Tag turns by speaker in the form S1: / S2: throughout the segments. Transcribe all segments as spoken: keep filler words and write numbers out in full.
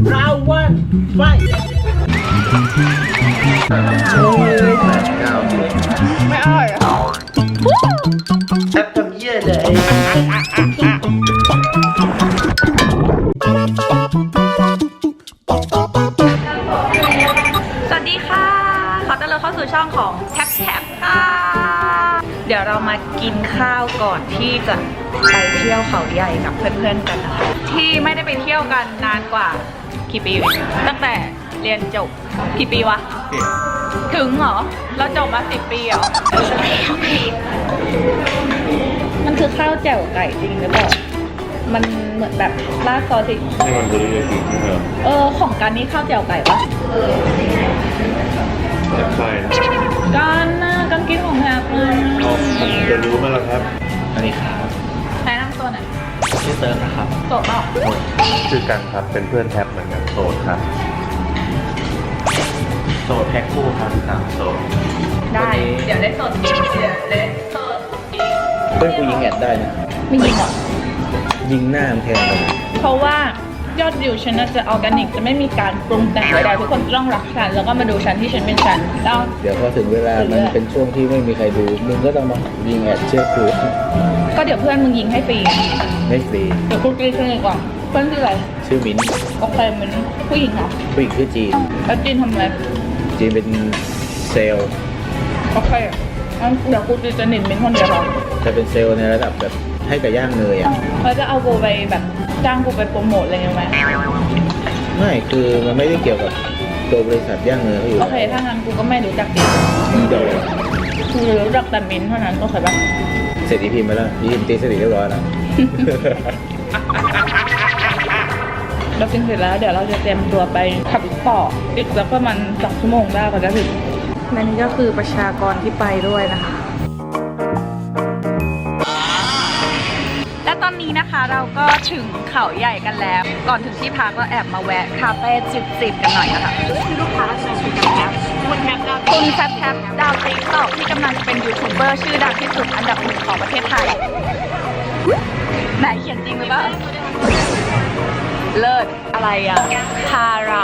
S1: ราวันไฟไม่อร่อยอ่ะแอปทำเยี่ยเลย
S2: สวัสดีค่ะขอต้อนรับเข้าสู่ช่องของแท็บแท็บค่ะเดี๋ยวเรามากินข้าวก่อนที่จะไปเที่ยวเขาใหญ่กับเพื่อนๆกันนะคะที่ไม่ได้ไปเที่ยวกันนานกว่ากี่ปีตั้งแต่เรียนจบกี่ปีวะถึงเหรอเราจบมาสิบปีเหรอมันคือข้าวแจ่วไก่จริงหรือเปล่ามันเหมือนแบบราดซอสสินี่มันคือเรียกจริงเหรอเออของการนี้ข้าวแจ่วไก่ปะ
S3: ใช่นะ
S2: การนะการกินของแฮปเลย
S3: จะรู้ไหมล่ะครับอันนี้ครับ
S2: ใช้น้ำตัวไหน
S3: ชื่อเติร์นนะครับ
S2: โสดเปล่า
S3: ชื่อกันครับเป็นเพื่อนแท็บเหมือนกันโสดครับโสดแพ็คคู่ครับสามโสด
S2: ได้เดี๋ยวได้โสดอีกเดี๋ยวได้โสดอีก
S3: เพื่อนกูยิงแอดได้นะ
S2: ไม่ยิงหรอ
S3: ยิงหน้ามันแทนเลย
S2: เพราะว่ายอดวิวฉันจะออร์แกนิกจะไม่มีการปรุงแต่งใดๆทุกคนต้องรักฉันแล้วก็มาดูฉันที่ฉันเป็นฉันแล้ว
S3: เดี๋ยวพอถึงเวลามันเป็นช่วงที่ไม่มีใครดูมึงก็ต้องมายิงแอดเชื่อกู
S2: ก็เดี๋ยวเพื่อนมึงยิงให้ฟรี
S3: ไม่ฟรี
S2: เดี๋ยวกูกรี๊ดให้ก่อนเพื่อนชื่ออะไร
S3: ชื่อมิ้น
S2: โอเคมิ้นผู้หญิงเหรอ
S3: ผู้หญิงชื่อจีน
S2: แล้วจีนทำอะไร
S3: จีนเป็นเซลล์
S2: โอเคงั้นเดี๋ยวกูจะจะหนินมิ้นคนเดียวหรอ
S3: จะเป็นเซลล์ในระดับแบบให้กับย่างเนยอ่ะ
S2: เขาจะเอากูไปแบบจ้างกูไปโปรโมทอะไรเงี้ยไหม
S3: ไม่คือมันไม่ได้เกี่ยวกับตัวบริษัทย่างเนยเขาอยู่
S2: โอเคถ้างั้นกูก็ไม่รู้จักจี
S3: นเดียว
S2: กูรู้จักแต่มิ้นเท่านั้นก็เคยปะ
S3: เสร็จอีพีมาแล้วอีพีตีเสร็จเรียบร้อยแล้ว
S2: เรากินเสร็จแล้วเดี๋ยวเราจะเตรียมตัวไปขับต่ออีกสักประมาณสองชั่วโมงได้ก็จะถึงและนี่ก็คือประชากรที่ไปด้วยนะคะและตอนนี้นะคะเราก็ถึงเขาใหญ่กันแล้วก่อนถึงที่พักก็แอบมาแวะคาเฟ่จิบๆกันหน่อยนะคะคือลูกค้าใช้คุณแท็บคุณแท็บดาวคุณแท็บแท็บดาวติ๊กต็อกที่กำลังจะเป็นยูทูบเบอร์ชื่อดังที่สุดอันดับหนึ่งของประเทศไทยไหนเขียนจริงหรือเปล่าเลิศอะไรอ่ะพารา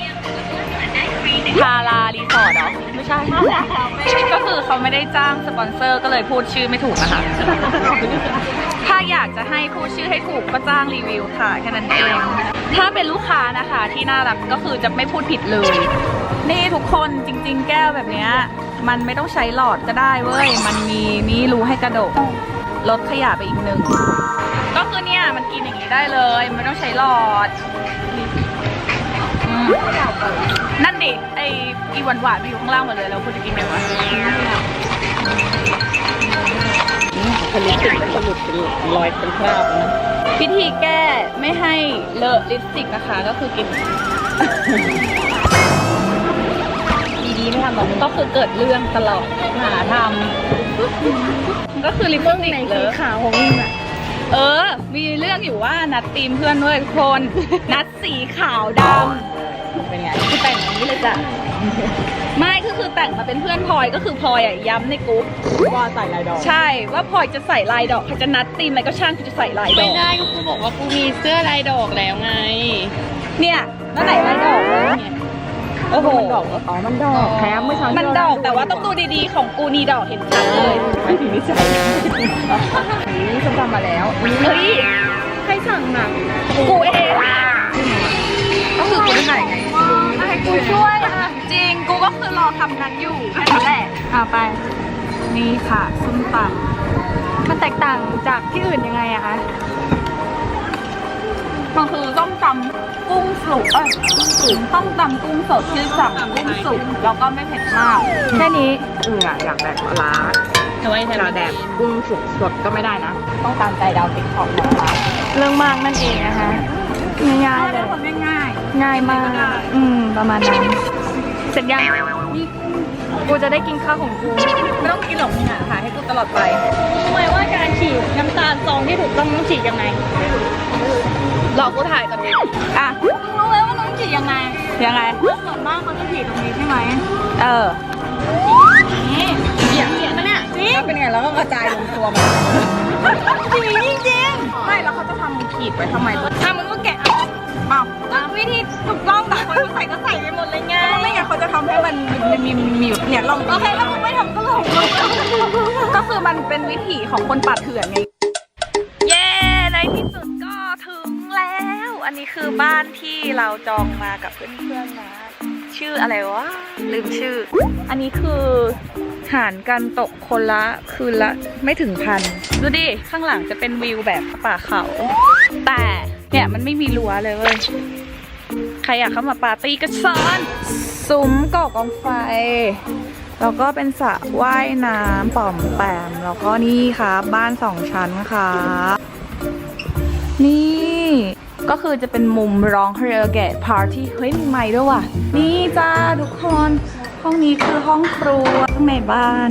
S2: พารารีสอร์ทเหรอไม่ใช่ก็คือเขาไม่ได้จ้างสปอนเซอร์ก็เลยพูดชื่อไม่ถูกนะคะถ้าอยากจะให้พูดชื่อให้ถูกก็จ้างรีวิวค่ะแค่นั้นเองถ้าเป็นลูกค้านะคะที่น่ารักก็คือจะไม่พูดผิดเลยนี่ทุกคนจริงๆแก้วแบบนี้มันไม่ต้องใช้หลอดก็ได้เว้ยมันมีนี่รูให้กระดกลดขยะไปอีกหนึ่งก็คือเนี่ยมันกินอย่างนี้ได้เลยไม่ต้องใช้หลอดนั่นดิไออีหวานหวานมาอยู่ข้างล่างหมดเลยแล้วคุณจะกินไงวะผลิตติกเป็นผลิตเป็นรอยเป็นคราบนะวิธีแก้ไม่ให้เลอะลิปสติกนะคะก็คือกินดีๆไม่ทำแบบก็คือเกิดเรื่องตลอดหาทำก็คือลิปสติกเลอะขาวของมึงอะเออมีเรื่องอยู่ว่านัดทีมเพื่อนด้วยทุกคนนัดสีขาวดำเป็นไงคือแต่งอย่างนี้เลยจ้ะไม่ก็คือแต่งมาเป็นเพื่อนพลอยก็คือพลอยอ่ะย้ำในกรุ๊ป
S4: ว่าใส่ลายดอก
S2: ใช่ว่าพลอยจะใส่ลายดอกเขาจะนัดทีมอะไรก็ช่างกูจะใส่ลายดอก
S4: ไม่ได้ก็กูบอกว่ากูมีเสื้อลายดอกแล้วไง
S2: เนี่ยนั่นไหนลายดอกเนี่ยโอ้โห
S4: มันดอกอ๋อมันดอกแถมไม่ใช่
S2: มันดอกแต่ว่าต้องดูดีๆของกูนี่ดอกเห็นชัดเลย
S4: ไม่ถึงนิสัย
S2: นี่ฉันทำมาแล้วเฮ้ย
S4: ใครสั่งหนัก
S2: กูเองก็คือกูได้ไหนไงให้กูช่วยจริงกูก็คือรอทำนั้นอยู่แค่นั้นแหละเอาไปนี่ค่ะส้มตำมันแตกต่างจากที่อื่นยังไงอะคะมันคือส้มตำกุ้งสุกเอ้ยส้มตำกุ้งสดชื่อสั่งกุ้งสุกแล้วก็ไม่เผ็ดมากแค่นี้
S4: เอออยากแบบปลา
S2: เอาไว้
S4: เราแดกกุ้งสุกสดก็ไม่ได้นะ
S2: ต้องตามใจดาวติ๊กของเราเรื่องมากนั่นเองนะคะง่ายๆเลยง่ายง่ายมากอืมประมาณนั้นเสร็จยังนี่กูจะได้กินข้าวของกูไม่ต้องกินหรอกมึงอ่ะถ่ายให้กูตลอดไป
S4: ทำไมว่าการฉีดน้ำตาลซองที่ถูกต้องต้องฉีดยังไง
S2: หลอกกูถ่ายก่อนดิอ่ะ
S4: มึงรู้ไหมว่าต้องฉีดยังไง
S2: ยังไง
S4: ส่วนมากเขาจะฉีดตรงนี้ใช่ไหม
S2: เออ
S4: นี่เหี้ยเหี้ยมันเนี่ย
S2: แล้วเป็นไงแล้วก็กระจายลงตัวมัน
S4: จริงจริง
S2: ไม่แล้วเขาจะทำขีดไว้ทำไม
S4: อ่ะมึงก็แกะ
S2: อ้าว
S4: วิ
S2: วิธีถูกต้องแต่คนเขาใส่ก็ใส่ไปหมดเลยไงไม่งั้นเขาจะทำให้มันมีมีมีแบบเนี่ยลองโอเคถ้ามึงไม่ทำก็ลองก็คือมันเป็นวิถีของคนป่าเถื่อนไงเย้ในที่สุดก็ถึงแล้ว อันนี้คือบ้านที่เราจองมากับเพื่อนๆนะชื่ออะไรวะลืมชื่ออันนี้คือหารกันตกคนละคืนละไม่ถึงพันดูดิข้างหลังจะเป็นวิวแบบป่าเขาแต่เนี่ยมันไม่มีรั้วเลยเว้ยใครอยากเข้ามาปาร์ตี้ก็เชิญซุ้มก่อกองไฟแล้วก็เป็นสระว่ายน้ำป่อมแปมแล้วก็นี่ค่ะบ้านสองชั้นค่ะนี่ก็คือจะเป็นมุมร้องคาราโอเกะปาร์ตี้เฮ้ยมีไมค์ด้วยว่ะนี่จ้าทุกคนห้องนี้คือห้องครัวข้างในบ้าน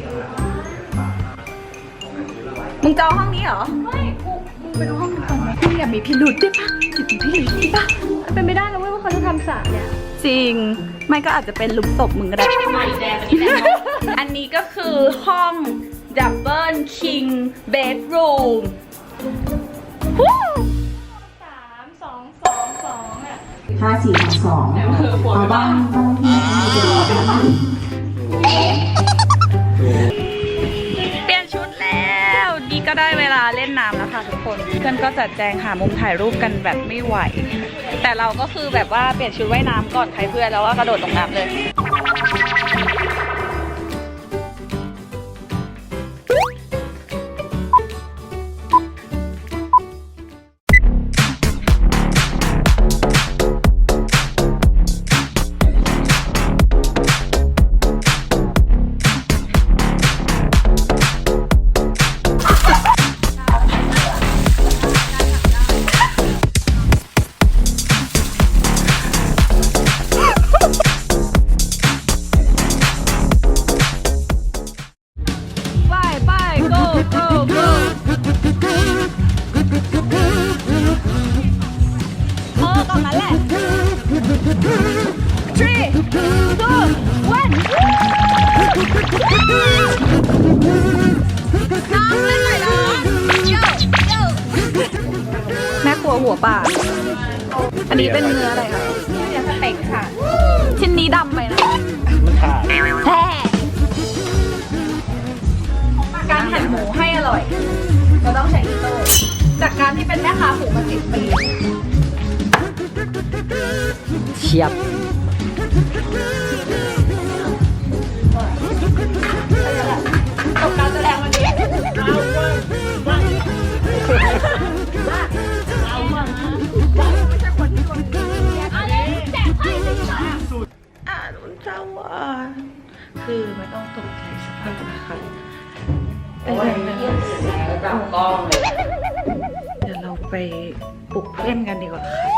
S2: มึงจองห้องนี้เหรอไม่กูมึงไปดูห้องนี้ก่อนไหมมึงอย่ามีพิรุธได้ปะอย่ามีพิรุธได้ปะเป็นไม่ได้นะเว้ยว่าเขาจะทำสระเนี่ยจริงไม่ก็อาจจะเป็นลุมตบมึงก็ได้อันนี้ก็คือห้องดับเบิลคิงเบดรูม
S4: สามสองสองสองอ่ะ
S5: ห้าสี่สองเอาบ้างบ้างที่มีเจอบ้าง
S2: เปลี่ยนชุดแล้วนี่ก็ได้เวลาเล่นน้ำแล้วค่ะทุกคนเพื่อนก็จัดแจงหามุมถ่ายรูปกันแบบไม่ไหวแต่เราก็คือแบบว่าเปลี่ยนชุดว่ายน้ำก่อนใครเพื่อนแล้วว่ากระโดดลงน้ำเลยแม่ครัวหัวป่าอันนี้เป็นเนื้ออะไรคะเนื้อสเต็กค่ะชิ้นนี้ดำไปนะมันขาดแท้การหั่นหมูให้อร่อยเราต้องใช้อิโต้จากการที่เป็นแม่ค้าหมูมาสิบปีเชียบตกการแสดงวันนี้อ่านุ่นเจ้าอ่ะคือไม่ต้องตกใจสภาพนะคะโอ้ยเยี่ยมสุดแล้วจับกล้องเลยเดี๋ยวเราไปปลุกเพื่อนกันดีกว่าค่ะ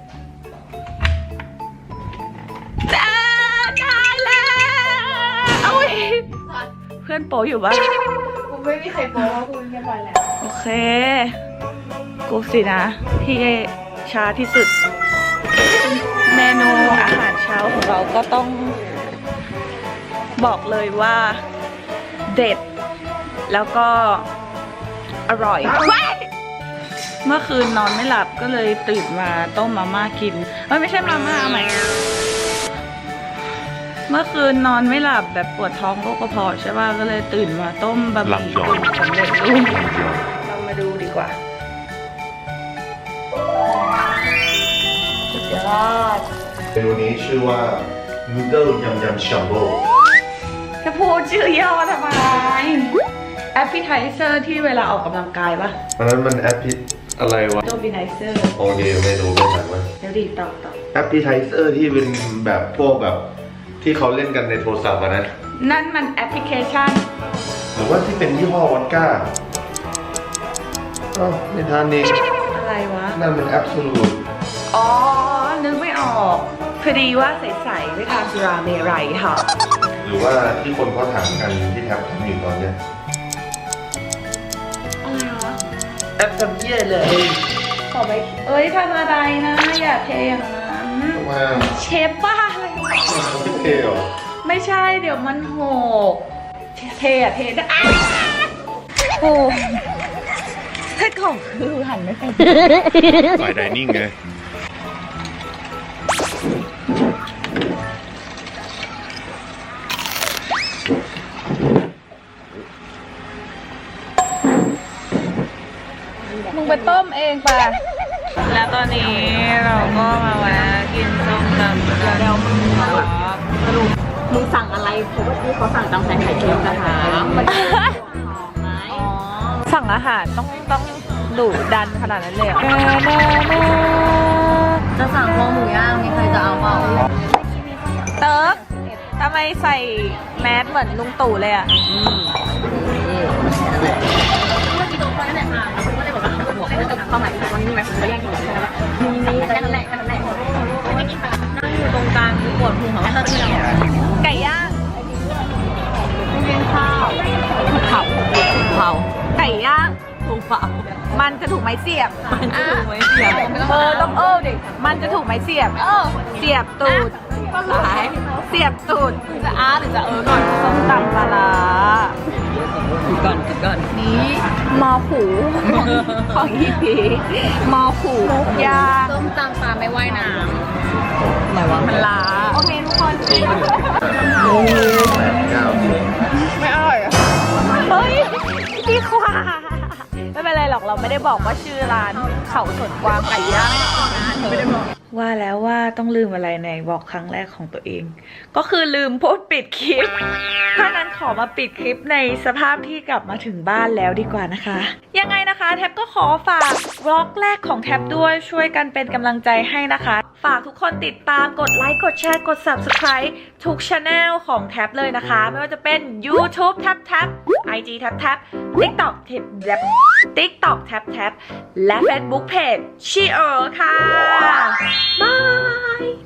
S2: จ้าได้แล้วโอ้ยเพื่อนโป๊อยู่บ้านกูไม่มีใครโป๊เพราะกูเรียบร้อยแล้วโอเคกูสินะที่ช้าที่สุดเมนูอาหารเช้าของเราก็ต้องบอกเลยว่าเด็ดแล้วก็อร่อยเมื่อคืนนอนไม่หลับก็เลยตื่นมาต้มมาม่ากินเอ้ยไม่ใช่มาม่าใหม่เมื่อคืนนอนไม่หลับแบบปวดท้องโรคกระเพาะใช่ป่ะก็เลยตื่นมาต้มบะหมี่กึ่งสำเร็จรูปเรามาดูดีกว่าเดี๋ยวรอด
S1: เมนูนี้ชื่อว่า Noodle Yum Yum Jumbo
S2: จะพูดชื่อย่อทำไมแอปเปิลไทเซอร์ที่เวลาออกกำลังกายปะ
S1: อันนั้นมันแอปพิอะไรวะ
S2: โจบิไนเซอร์
S1: โอเคไม่รู้ไม่ถามว่า
S2: เดี๋ยวดีต่อต่อ
S1: แอปพิไทเซอร์ที่เป็นแบบพวกแบบที่เขาเล่นกันในโทรศัพท์อะนะ
S2: นั่นมันแอปพลิเคชัน
S1: หรือว่าที่เป็นยี่ห้อวอดก้าอ๋อไม่ทานเอง
S2: อะไรวะ
S1: นั่นมันแอปสูตร
S2: อ๋อ นึกไม่ออกพอดีว่าใสๆไม่ทานสุราเมรัยค่ะ
S1: หรือว่าที่คนเขาถามกันที่แท็บทำอยู่ตอนเนี้ย
S2: อะไรวะ
S1: แอปทำเยี่ยเลย
S2: ขอไปเอ้ยทำอะไรนะ อย่าเทอย่างนั้น
S1: มา
S2: เชฟบ้าอะไรวะ
S1: ไม่เทหรอ
S2: ไม่ใช่เดี๋ยวมันหกเทอะเทได้อ้าโอ้ให้ของคือหันไม่เป็น
S1: ฝ่ายไดนิ่งไง
S2: องไปแล้วตอนนี้เราก็มาแวะกินส้มตำเดี๋ยวมึงสรุป
S4: มึงสั่งอะไรเพราะว่าที่เขาสั่งตำแตงไข่เค็มนะคะมัน
S2: สั่งอาหารต้องต้องดุดันขนาดนั้นเลยเหรอ
S4: จะสั่งคอหมูย่างมีใครจะเอาเปล่า
S2: เติร์กทำไมใส่แมสเหมือนลุงตู่เลยอ่ะ
S4: เมื่อกี้ตรงนั้นเนี่ยอ่ะเราก็เลยบอกว่าหัวเขาจะเข้ามาวันนี้ไหมผมก็แย่งกินใช่ไหมมีมีแค่นั้นแหละแค่นั้นแหละไม่กินไปนั่งอยู่ตรงกลางคือปวดพุงของเราที่เรา
S2: ไก่ย่าง
S4: ไม่กินข้าวถูกเผาถูกเผา
S2: ไก่ย่าง
S4: ถูกเผา
S2: มันจะถูกไม้เสียบ
S4: มันจะถูกไหมเสีย
S2: เออต้องเออดิมันจะถูกไม้เสียบ
S4: เออ
S2: เสียบตูด
S4: ก็หลาย
S2: เสียบตูด
S4: จะอาร์หรือจะเออก่อน
S2: ส้มตำปลาร้า
S4: ก่อนก่อน
S2: นี้มอหูของของอีพีมอหูย่าง
S4: ส้มตำปลาไม่ว่ายน้ำไหนวะ
S2: มันล้าโอเคทุกคนกิน
S1: แปดเก้าสิบ
S2: ไม่อร่อยเฮ้ยดีกว่าไม่เป็นไรหรอกเราไม่ได้บอกว่าชื่อร้านเขาสวนกวางไก่ย่างไม่ได้บอกว่าแล้วว่าต้องลืมอะไรในบอกครั้งแรกของตัวเอง ก็คือลืมพูดปิดคลิปถ้านั้นขอมาปิดคลิปในสภาพที่กลับมาถึงบ้านแล้วดีกว่านะคะ ยังไงนะคะแท็บก็ขอฝากบล็อกแรกของแท็บด้วยช่วยกันเป็นกำลังใจให้นะคะ ฝากทุกคนติดตามกดไลค์กดแชร์กด ซับสไครบ์ ทุกช anel ของแท็บเลยนะคะไม่ว่าจะเป็น YouTube แท็บแท็บ ไอ จี แท็บแท็บ TikTok แท็บแท็บ TikTok แท็บแท็บและ Facebook Page ชีเออค่ะบาย